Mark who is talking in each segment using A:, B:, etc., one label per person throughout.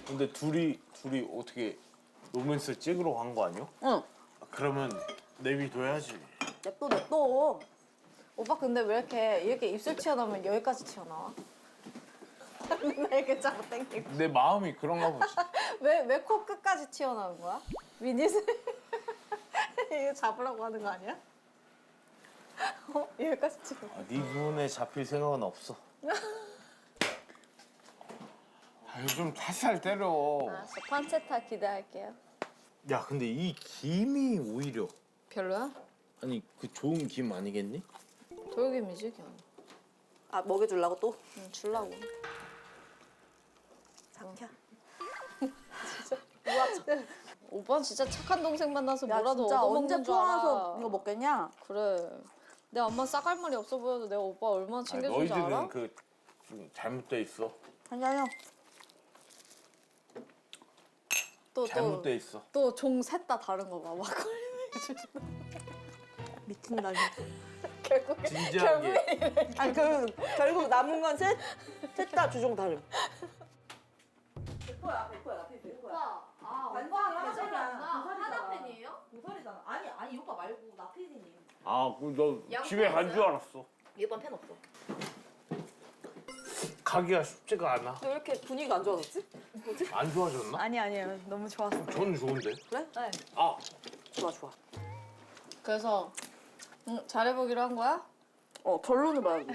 A: 근데 둘이 어떻게 로맨스 찍으러 간 거 아니야?
B: 응.
A: 그러면 내비둬야지.
B: 냅둬. 오빠 근데 왜 이렇게 입술 튀어나오면 여기까지 튀어나와? 맨날 이렇게 자꾸 땡기고.
A: 내 마음이 그런가 보지.
B: 왜 코 끝까지 튀어나오는 거야? 미니스 이거 잡으라고 하는 거 아니야? 여기까지 튀어.
A: 네 눈에 잡힐 생각은 없어. 요즘 살살 때려.
B: 알았어, 판체타 기대할게요.
A: 야 근데 이 김이 오히려
B: 별로야?
A: 아니 그 좋은 김 아니겠니?
B: 돌김이지 그냥.
C: 아 먹여주려고 또?
B: 응, 줄라고.
C: 장캬.
B: 오빠는 진짜 착한 동생 만나서
C: 야
B: 뭐라도
C: 진짜 언제
B: 얻어먹는 줄 알아.
C: 포항에서 이거 먹겠냐?
B: 그래. 내 엄마 싸갈머리 없어 보여도 내가 오빠 얼마나 챙겨준 줄 알아?
A: 너희들은 그 좀 잘못돼 있어.
C: 아니야.
A: 잘못돼 있어.
B: 또 종 셋 다 다른 거 봐. 막걸리
C: 미친다.
B: 결국에
A: 진지하게.
C: 아니 결국 남은 건 셋 다 주종 다름. 100%야.
B: 오빠,
C: 완전히
B: 화장이 안 나.
C: 하나
B: 하나 팬이에요?
C: 고설이잖아. 아니 이 오빠 말고 나 피디님.
A: 너 집에 간 줄 알았어.
C: 이 오빠 팬 없어.
A: 가기가 쉽지가 않아.
C: 왜 이렇게 분위기가 안 좋아졌지? 뭐지?
A: 안 좋아졌나?
C: 아니야. 너무 좋았어.
A: 저는 좋은데.
C: 그래? 네.
A: 아
C: 좋아.
B: 그래서 잘해보기로 한 거야?
C: 결론을 말하고.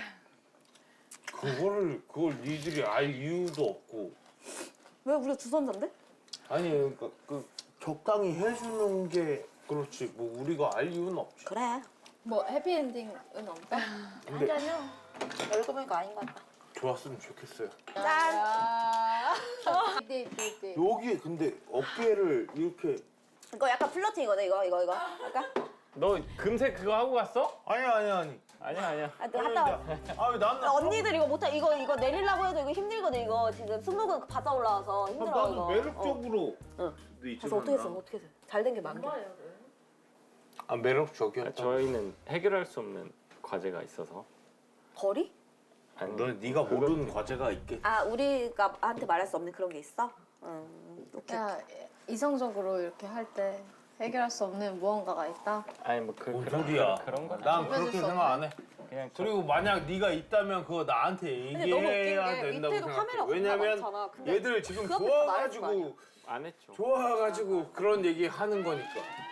A: 그걸 니들이 알 이유도 없고.
C: 왜 우리가 주선자인데?
A: 아니 그러니까 그 적당히 해주는 게 그렇지. 뭐 우리가 알 이유는 없지.
C: 그래.
B: 뭐 해피엔딩은 없다?
A: 근데
C: 알고 보니까 아닌 것 같다.
A: 좋았으면 좋겠어요.
B: 짠! 띠띠띠.
A: 여기에 근데 어깨를 이렇게.
C: 이거 약간 플러팅이거든 이거. 약간.
D: 너 금색 그거 하고 갔어?
A: 아니야.
D: 아니야.
C: 아, 갔다 와.
A: 아왜 나는
C: 언니들 이거 못해. 이거 내리려고 해도 이거 힘들거든 이거. 지금 승모근 바짝 올라와서 힘들어
A: 나는
C: 이거.
A: 매력적으로.
C: 응.
A: 네,
C: 그래서 어떻게 했어? 잘 된 게 많아.
A: 아 매력적이었다.
D: 저희는 해결할 수 없는 과제가 있어서.
C: 거리?
D: 아니,
A: 너 네가 모르는 과제가 있겠지.
C: 아 우리가 한테 말할 수 없는 그런 게 있어? 오케이.
B: 야, 이성적으로 이렇게 할 때 해결할 수 없는 무언가가 있다?
D: 아니 뭐
A: 뭔 소리야?
D: 그런 거.
A: 난 그렇게
B: 수
A: 생각 안 해.
D: 그냥
A: 그리고 만약 네가 있다면 그거 나한테
C: 너무 웃긴
A: 얘기해야
C: 게
A: 된다고
C: 이때도
A: 생각해.
C: 카메라
A: 왜냐면
C: 많잖아. 근데
A: 얘들 지금
C: 그 앞에서 말할 거
A: 좋아가지고
D: 안 했죠.
A: 그런 얘기 하는 거니까.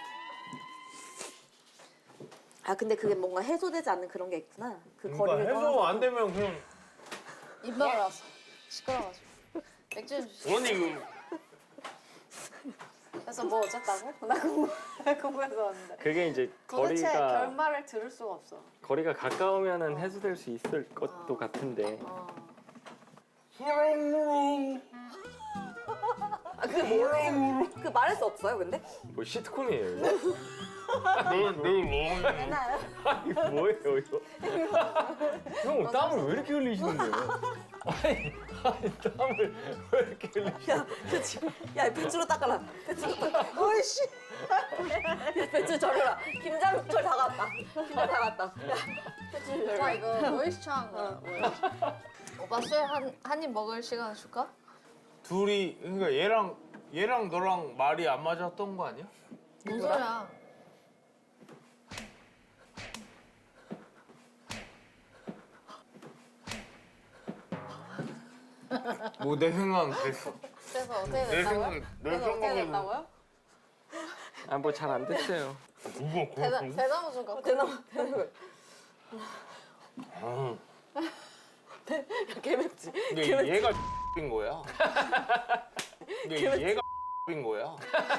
C: 아 근데 그게 뭔가 해소되지 않는 그런 게 있구나. 그
A: 그러니까
C: 거리를
A: 해소
C: 떠나서.
A: 안 되면 그냥
B: 입 막으라서 시끄러워가지고 맥주 좀 주시.
A: 원이
B: 그래서 뭐 어쨌다고? 나 궁금해서 왔는데
D: 그게 이제
B: 도대체
D: 거리가
B: 결말을 들을 수가 없어.
D: 거리가 가까우면은 해소될 수 있을 것도 같은데.
C: 그 말할 수 없어요 근데?
D: 뭐 시트콤이에요 이거?
C: 맨날
D: 이거 뭐예요 이거? 형 땀을 왜 이렇게 흘리시는 거예요? 아니 땀을 왜 이렇게 흘리시는
C: 야 배추로 닦아라. 배추로 닦아. 어이씨. 야 배추 절여라. 김장철 다 갔다. 김장 다 갔다. 야 배추
B: 오빠
C: 절여.
B: 이거 모이스처한 거야. 오빠 술 한 입 먹을 시간 줄까?
A: 둘이 그러니까 얘랑 너랑 말이 안 맞았던 거 아니야?
B: 뭔 소리야?
A: 뭐 내 생각은 그랬어.
B: 그래서 어떻게
A: 내
B: 됐다고요?
A: 내
B: 그래서 어떻게
A: 생각에는
B: 됐다고요?
D: 아뭐 잘 안 됐어요.
A: 누가
B: 대나무 좀 갖고.
C: 대나무.
A: 아,
C: 개맵지.
A: 근데 얘가 인 거야. 근데 얘가 인 거야.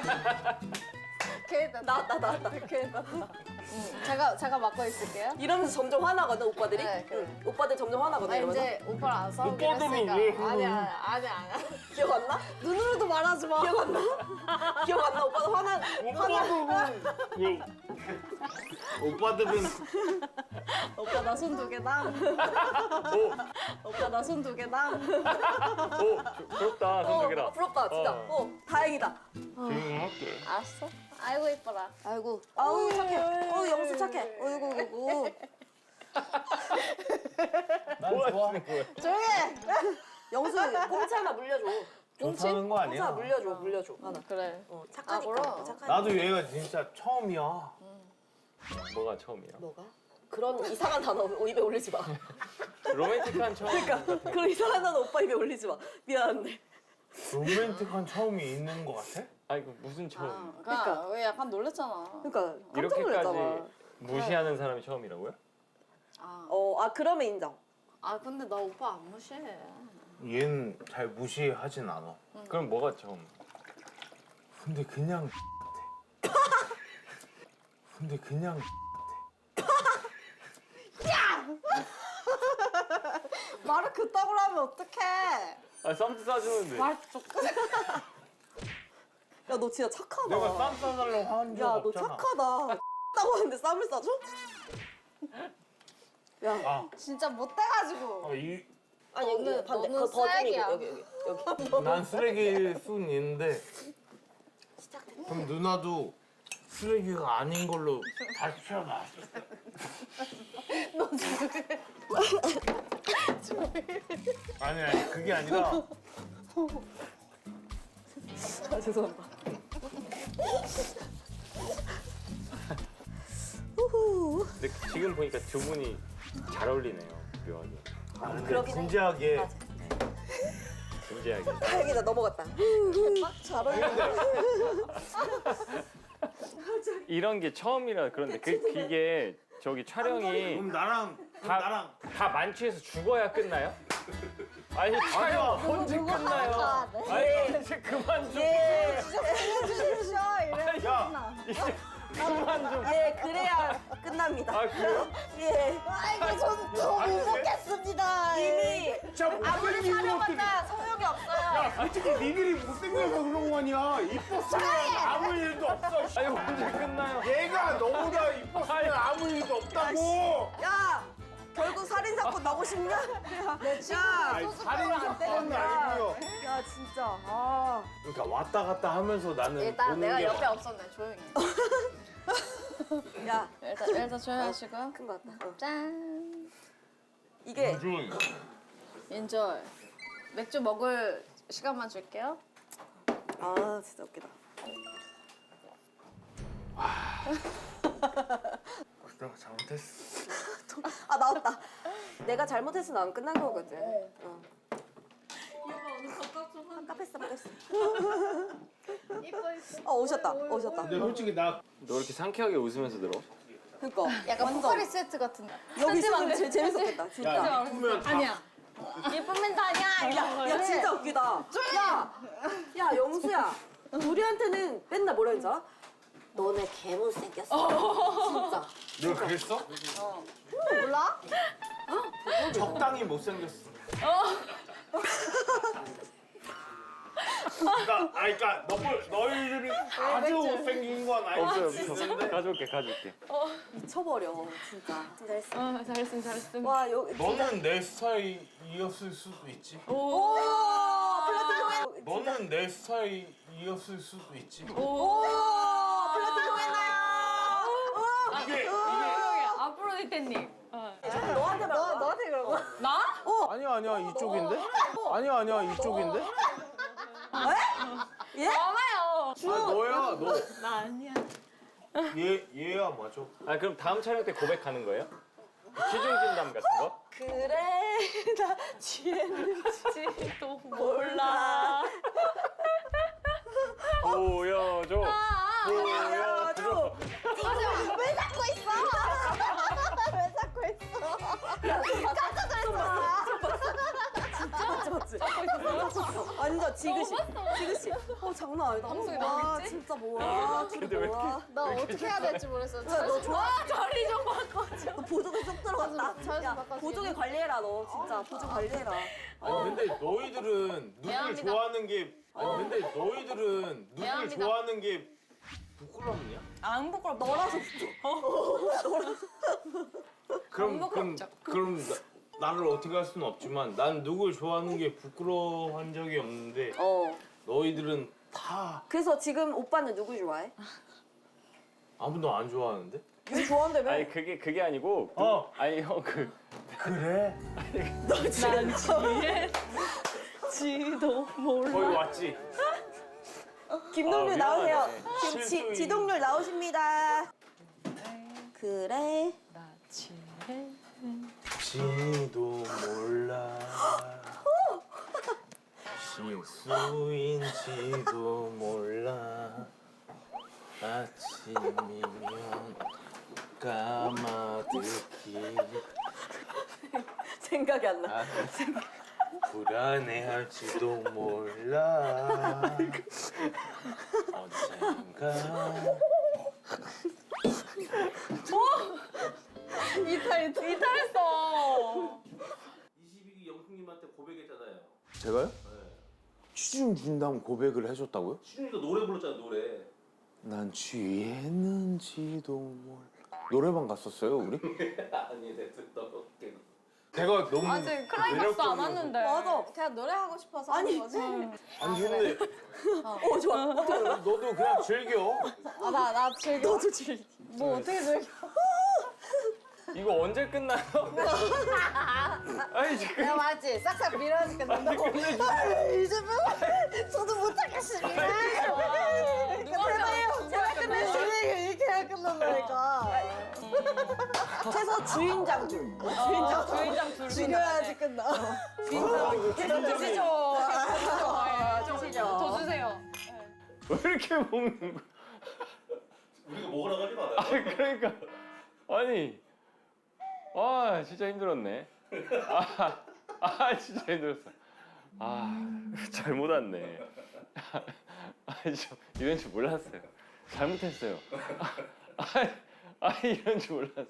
B: 걔
C: 나왔다.
B: 걔 나왔다. 제가 맡고 있을게요.
C: 이러면서 점점 화나거든 오빠들이.
B: 네, 그래.
C: 응. 오빠들 점점 화나거든.
B: 아
C: 이러면서.
B: 이제 오빠랑 안 싸우기로
A: 오빠들은
B: 했으니까.
A: 왜
B: 아니야.
C: 기억 안 나?
B: 눈으로도 말하지 마.
C: 기억 안 나? 기억 안 나? 오빠도
A: 오빠들은
B: 오빠 나 손 두 개다. 오빠 나 손 두 개다.
D: 부럽다 손 두 개라.
C: 부럽다 진짜. 다행이다.
A: 조용히 할게.
B: 알았어. 아이고 이뻐라.
C: 아이고. 아우 착해. 영수 착해. 어이구.
A: 난 좋아.
B: 조용해.
C: 영수 공채 하나 물려줘.
A: 좋다는 거
C: 혼자
A: 아니야?
C: 물려줘. 하나.
B: 그래.
C: 착하니까.
B: 그럼.
C: 착하니까.
A: 나도 얘가 진짜 처음이야.
D: 뭐가 처음이야?
C: 뭐가? 그런 이상한 단어 입에 올리지 마.
D: 로맨틱한 처음.
C: 그러니까 그런 이상한 단어 오빠 입에 올리지 마. 미안한데.
A: 로맨틱한 처음이 있는 거 같아?
D: 아니 그 무슨 처음?
B: 그러니까 왜 약간 놀랬잖아.
C: 그러니까 깜짝
D: 이렇게까지
C: 놀랐잖아.
D: 무시하는 사람이 처음이라고요?
C: 그러면 인정.
B: 근데 나 오빠 안 무시해.
A: 얘는 잘 무시하진 않아.
D: 그럼 뭐가 처음?
A: 근데 그냥 같아. 근데 그냥
B: 말을 그따구로 하면 어떡해.
D: 아 쌈도 싸주는데.
B: 말 조금.
C: 야, 너 진짜 착하다.
A: 내가 쌈 싸달라고 한 적
C: 야, 너
A: 없잖아.
C: 착하다. 따고 하는데 쌈을 싸줘? 야,
A: 아,
B: 진짜 못돼가지고.
C: 아니 여기 반대.
B: 너는
C: 더
B: 쓰레기야.
C: 여기.
A: 난 쓰레기일 순 있는데
C: 시작됐다.
A: 그럼 누나도 쓰레기가 아닌 걸로 밝혀놔. 아니 그게 아니라
C: 아, 죄송합니다.
D: 근데 지금 보니까 두 분이 잘 어울리네요. 묘하게.
A: 근데
C: 그러긴 해.
A: 진지하게
C: 맞아.
D: 진지하게.
C: 다행이다, 넘어갔다. 잘 어울린다.
D: 이런 게 처음이라 그런데 그게 저기 촬영이
A: 그럼 나랑
D: 다 만취해서 죽어야 끝나요? 아니 촬영 언제 끝나요? 아니 이제 그만 좀.
C: 예,
B: 해주십시오. 이래.
A: 야
D: 이제 그만 좀.
C: 예, 그래야 끝납니다.
D: 아 그래요?
C: 예.
B: 아이고 전못 먹겠습니다.
C: 이미
A: 진짜 못생긴 것들이
B: 촬영한다 소용이 없어요.
A: 야 솔직히 니들이 못생겨서 그런 거 아니야. 이뻤으면 아무 일도 없어.
D: 아니 언제 끝나요?
A: 얘가 너보다 이뻤으면 아무 일도 없다고.
C: 야, 결국 살인 사건 나고 싶냐? 야,
A: 아니 살인 사건은 아니고요.
C: 야, 진짜. 아.
A: 그러니까 왔다 갔다 하면서 나는
B: 일단
A: 보는
B: 내가
A: 게
B: 옆에 없었네. 조용히.
C: 야,
B: 일단 조용히 하시고.
C: 큰 거 같다.
B: 짠.
C: 이게
A: 조용히.
B: 인조이. 맥주 먹을 시간만 줄게요.
C: 아, 진짜 웃기다.
A: 내가 잘못했어.
C: 아, 나왔다. 내가 잘못했으면 안 끝난 거거든. 어. 깜빡했어. 오셨다.
A: 근데 솔직히 나
D: 너 이렇게 상쾌하게 웃으면서 들어?
C: 그니까.
B: 약간 포카리 세트 같은.
C: 여기 있으면 제일 재밌었겠다, 진짜.
A: 야, 이쁘면 다
B: 아니야. 예쁘면 다냐 아니야.
C: 야, 진짜 웃기다. 야, 영수야. 우리한테는 맨날 뭐라 했지 알아? 너네 개못 생겼어. 진짜.
A: 내가 그랬어?
B: 몰라?
A: 적당히 못생겼어. 그러니까 너희들이 아주 못생긴 건 아닐 수 있는데
D: 가져올게.
C: 미쳐버려, 진짜. 잘했어.
B: 잘했음.
C: 와, 여기.
A: 너는 내 스타일이었을 수도 있지.
C: 오! 플라팅
A: 너는 내 스타일이었을 수도 있지.
C: 오! 플라팅 통했나요?
A: 이게
B: 아프로디테님.
C: 너한테 말한 거야?
B: 너한테 그런 거? 나?
A: 아니야 이쪽인데? 아니야 이쪽인데?
C: 예?
B: 많아요.
A: 너야 너.
B: 나 아니야.
A: 얘야 맞아.
D: 아 그럼 다음 촬영 때 고백하는 거예요? 취중 진담 같은 거?
C: 그래, 나 취했는지도 몰라.
D: 보여줘.
C: 보여줘.
B: 왜 잡고 있어? 왜 잡고 있어? 깜짝 놀랐어.
C: 맞지? 완전 지그시. 지그시. 장난 아니다.
B: 방송에
C: 와,
B: 나오겠지?
C: 진짜 뭐야.
D: 근데 왜
C: 뭐야.
B: 나 어떻게 해야 될지 모르겠어.
C: 야, 너 좋아?
B: 자리 좀 바꿔줘.
C: 너 보조개 쏙 들어갔다.
B: 자주
C: 야,
B: 바꿔주겠니?
C: 보조개 관리해라, 너. 진짜. 보조 관리해라.
A: 아니 근데 너희들은 누굴
B: 미안합니다.
A: 좋아하는 게 근데 너희들은 누굴
B: 미안합니다.
A: 좋아하는 게 부끄럽냐?
B: 안 부끄럽.
C: 너라서
A: 그럼 나를 어떻게 할 수는 없지만 난 누굴 좋아하는 게 부끄러워한 적이 없는데 너희들은 다
C: 그래서 지금 오빠는 누구 좋아해?
A: 아무도 안 좋아하는데?
C: 유 좋아한다며?
D: 아니 그게 아니고
A: 어.
D: 아니 형
A: 그래?
C: 너 지금 지도 몰라.
A: 거기 왔지?
C: 김동률
A: 아,
C: 나오세요.
A: 미안하네.
C: 지금
A: 실수인.
C: 지동률 나오십니다. 그래.
B: 나 취해.
A: 지도 몰라 실수인지도 몰라 아침이면 까마득히
C: 생각이 안 나.
A: 불안해할지도 몰라 언젠가
B: 이탈했어.
A: 22기 영숙님한테 고백했잖아요.
E: 제가요? 취중 준다면 고백을 해줬다고요?
A: 시준이가 노래 불렀잖아 노래.
E: 난 취했는지도 몰라. 노래방 갔었어요 우리?
A: 아니 내 듣던
E: 제가 너무
B: 아직 클라이막스 안 왔는데.
C: 맞아.
B: 그냥 노래하고 싶어서
C: 아니.
B: 하는 거지.
E: 아니 근데
C: 좋아.
E: 너도 그냥 즐겨.
B: 나 즐겨.
C: 너도 즐겨.
B: 뭐 어떻게 즐겨?
D: 이거 언제 끝나요? 아니 지금
B: 내가 말했지. 싹싹 밀어야지 끝난다고.
C: 이제 저도 못 하겠습니다.
B: 누가
C: 제가 끝냈으니 이렇게 해야 끝난다니까. 최소 주인장 둘.
B: 주인장 둘
C: 죽여야지 끝나.
B: 계속 드시죠.
C: 주시죠.
B: 더 주세요.
D: 왜 이렇게 먹는 거야?
A: 우리가 먹으라고 하지 말아요.
D: 아니 그러니까 아니 아 진짜 힘들었네. 진짜 힘들었어. 잘못 왔네. 저 이런 줄 몰랐어요. 잘못했어요. 이런 줄 몰랐어.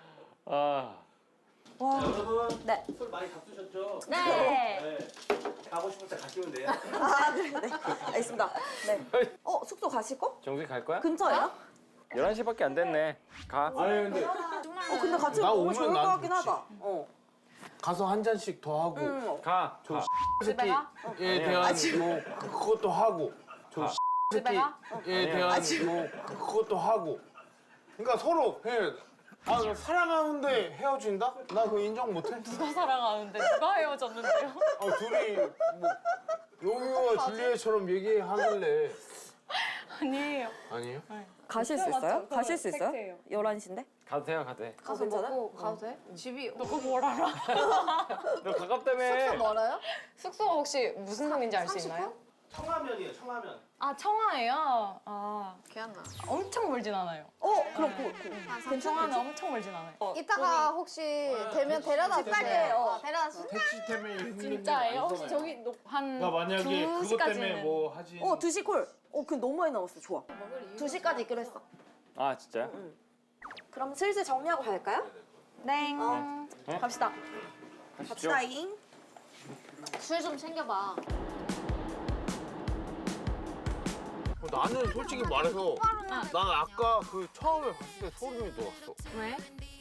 C: 와.
A: 여러분
C: 네.
A: 술 많이 잡수셨죠?
B: 네.
A: 네. 가고 싶을 때 가시면 돼요.
C: 네. 알겠습니다. 네. 숙소 가실 거?
D: 정수이 갈 거야?
C: 근처예요?
D: 11시밖에 안 됐네. 가.
E: 아니 근데
C: 근데 같이
E: 나
C: 먹으면
E: 오면
C: 좋을 것
E: 난
C: 같긴
E: 좋지.
C: 하다.
E: 가서 한 잔씩 더 하고
D: 가. 가.
B: 집에 가?
E: 새끼에 대한 뭐 그것도 하고 저
B: 집에 가?
E: 새끼에 대한 뭐 그것도 하고 그러니까 서로 해. 나 사랑하는데 헤어진다? 나 그거 인정 못해.
B: 누가 사랑하는데 누가 헤어졌는데요?
E: 둘이 뭐 로미오와 줄리엣처럼 얘기하길래
B: 아니에요.
E: 아니에요?
C: 가실 수 있어요? 가실 수 있어요? 11시인데?
D: 가도 돼요, 가도 돼.
C: 가서 괜찮아?
B: 가도 돼? 집이 너 그거 뭘 알아?
D: 너 가깝다며.
B: 멀어요? 숙소가 혹시 무슨 동인지 알 수 있나요?
A: 청라면이에요 청라면.
B: 아 청하예요. 기억나. 엄청 멀진 않아요.
C: 그럼
B: 청하는 엄청 멀진 않아요.
F: 이따가 혹시 되면 데려다 주세요.
C: 빨리,
F: 데려다 주세요.
E: 택시 때문에 힘든
B: 진짜예요? 혹시 저기 한
A: 나 만약에 그것
B: 2시까지는
A: 때문에 뭐 하지.
C: 2시 콜. 그 너무 많이 남았어. 좋아. 2시까지 있기로 했어.
D: 진짜요?
C: 그럼 슬슬 정리하고 갈까요?
B: 네.
C: 갑시다.
D: 가시죠.
C: 갑시다잉.
F: 술 좀 챙겨봐.
E: 나는 솔직히 말해서 난 아까 그 처음에 봤을 때 소름이 돋았어.
B: 왜?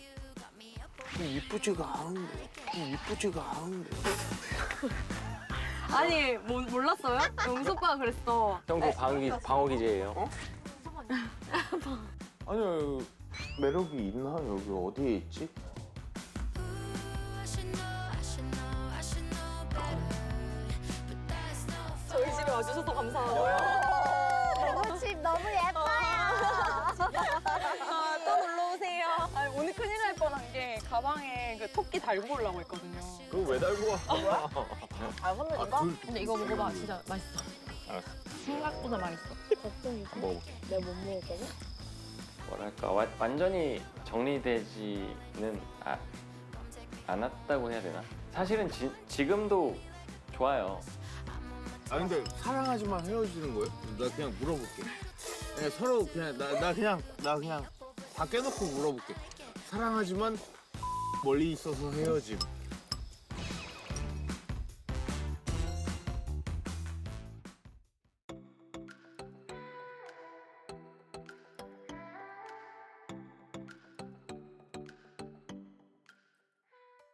E: 이쁘지가 않은데.
B: 아니 몰랐어요? 영수 오빠가 그랬어.
D: 형그 방어 기제예요.
E: 아니요 매력이 있나 여기 어디에 있지?
C: 저희 집에 와주셔서 감사하고요.
F: 너무 집 너무 예뻐요.
C: 또 놀러 오세요.
B: 아니 오늘 큰일 날 뻔한 게 가방에 그 토끼 달고 오려고 했거든요.
E: 그거 왜 달고 와?
B: 근데 이거 먹어봐. 진짜 맛있어.
D: 알았어.
B: 생각보다 맛있어.
D: 먹어볼게.
F: 내가 못 먹었거든?
D: 뭐랄까 완전히 정리되지는 않았다고 해야 되나? 사실은 지금도 좋아요.
E: 근데 사랑하지만 헤어지는 거예요? 나 그냥 물어볼게. 그냥 서로 그냥 나 그냥 다 깨놓고 물어볼게. 사랑하지만 멀리 있어서 헤어짐.